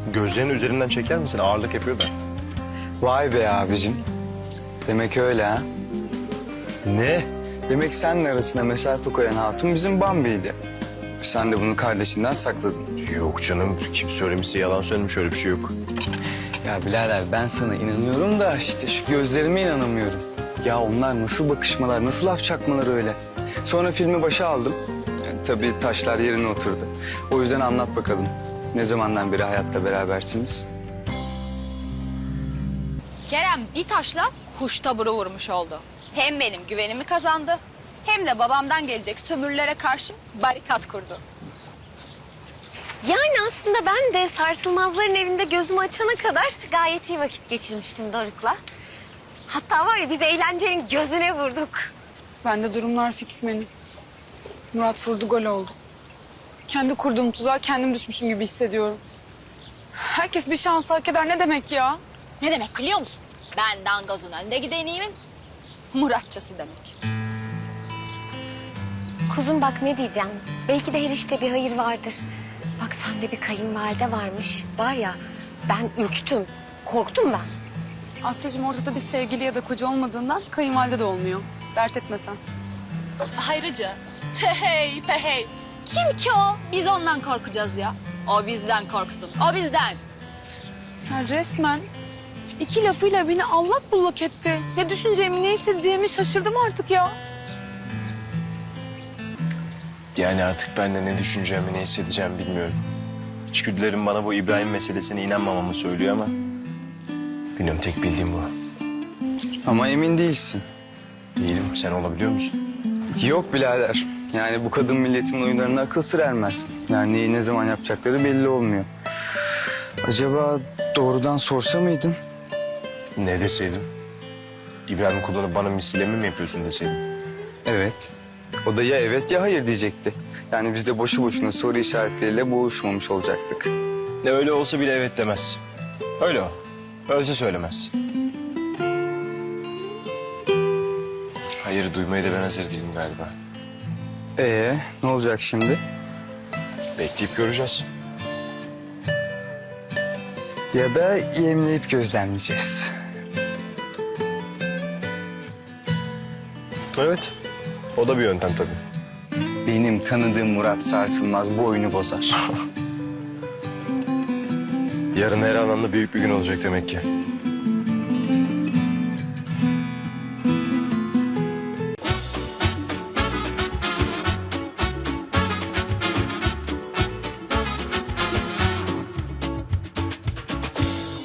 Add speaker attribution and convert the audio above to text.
Speaker 1: Gözlerinin üzerinden çeker misin? Ağırlık yapıyor da.
Speaker 2: Vay be abicim. Demek öyle ha.
Speaker 1: Ne?
Speaker 2: Demek seninle arasına mesafe koyan hatun bizim Bambi'ydi. Sen de bunu kardeşinden sakladın.
Speaker 1: Yok canım. Kim söylemişse yalan söylemiş, öyle bir şey yok.
Speaker 2: Ya birader ben sana inanıyorum da işte şu gözlerime inanamıyorum. Ya onlar nasıl bakışmalar, nasıl laf çakmalar öyle. Sonra filmi başa aldım. Tabii taşlar yerine oturdu. O yüzden anlat bakalım. Ne zamandan beri hayatta berabersiniz?
Speaker 3: Kerem bir taşla kuş taburu vurmuş oldu. Hem benim güvenimi kazandı hem de babamdan gelecek sömürülere karşı barikat kurdu.
Speaker 4: Yani aslında ben de sarsılmazların evinde gözümü açana kadar gayet iyi vakit geçirmiştim Doruk'la. Hatta var ya biz eğlencenin gözüne vurduk.
Speaker 5: Bende durumlar fix benim. Murat vurdu, gol oldu. Kendi kurduğum tuzağa kendim düşmüşüm gibi hissediyorum. Herkes bir şans hak eder ne demek ya?
Speaker 3: Ne demek biliyor musun? Ben dangazın önde gidenimin Muratçası demek.
Speaker 4: Kuzum bak ne diyeceğim. Belki de her işte bir hayır vardır. Bak sende bir kayınvalide varmış. Var ya ben ürktüm. Korktum ben.
Speaker 5: Asya'cığım ortada bir sevgili ya da koca olmadığından kayınvalide de olmuyor. Dert etme sen.
Speaker 3: Hayrıcı, tehey pehey. Kim ki o? Biz ondan korkacağız ya. O bizden korksun, o bizden.
Speaker 5: Ya resmen iki lafıyla beni allak bullak etti. Ne düşüneceğimi, ne hissedeceğimi şaşırdım artık ya.
Speaker 1: Yani artık ben de ne düşüneceğimi, ne hissedeceğimi bilmiyorum. İçgüdülerim bana bu İbrahim meselesine inanmamamı söylüyor ama... Bilmiyorum, tek bildiğim bu.
Speaker 2: Ama emin değilsin.
Speaker 1: Değilim, sen olabiliyor musun?
Speaker 2: Yok birader. Yani bu kadın milletin oyunlarına akıl sır ermez. Yani neyi ne zaman yapacakları belli olmuyor. Acaba doğrudan sorsa mıydın?
Speaker 1: Ne deseydim? İbrahim kullanıp bana misilleme mi yapıyorsun deseydim?
Speaker 2: Evet. O da ya evet ya hayır diyecekti. Yani biz de boşu boşuna soru işaretleriyle boğuşmamış olacaktık.
Speaker 1: Ne öyle olsa bile evet demez. Öyle o. Öylese söylemez. Hayır duymaya da ben hazır değilim galiba.
Speaker 2: Ne olacak şimdi?
Speaker 1: Bekleyip göreceğiz.
Speaker 2: Ya da yemleyip gözlemleyeceğiz.
Speaker 1: Evet. O da bir yöntem tabii.
Speaker 2: Benim tanıdığım Murat Sarsılmaz bu oyunu bozar.
Speaker 1: Yarın her anlamda büyük bir gün olacak demek ki.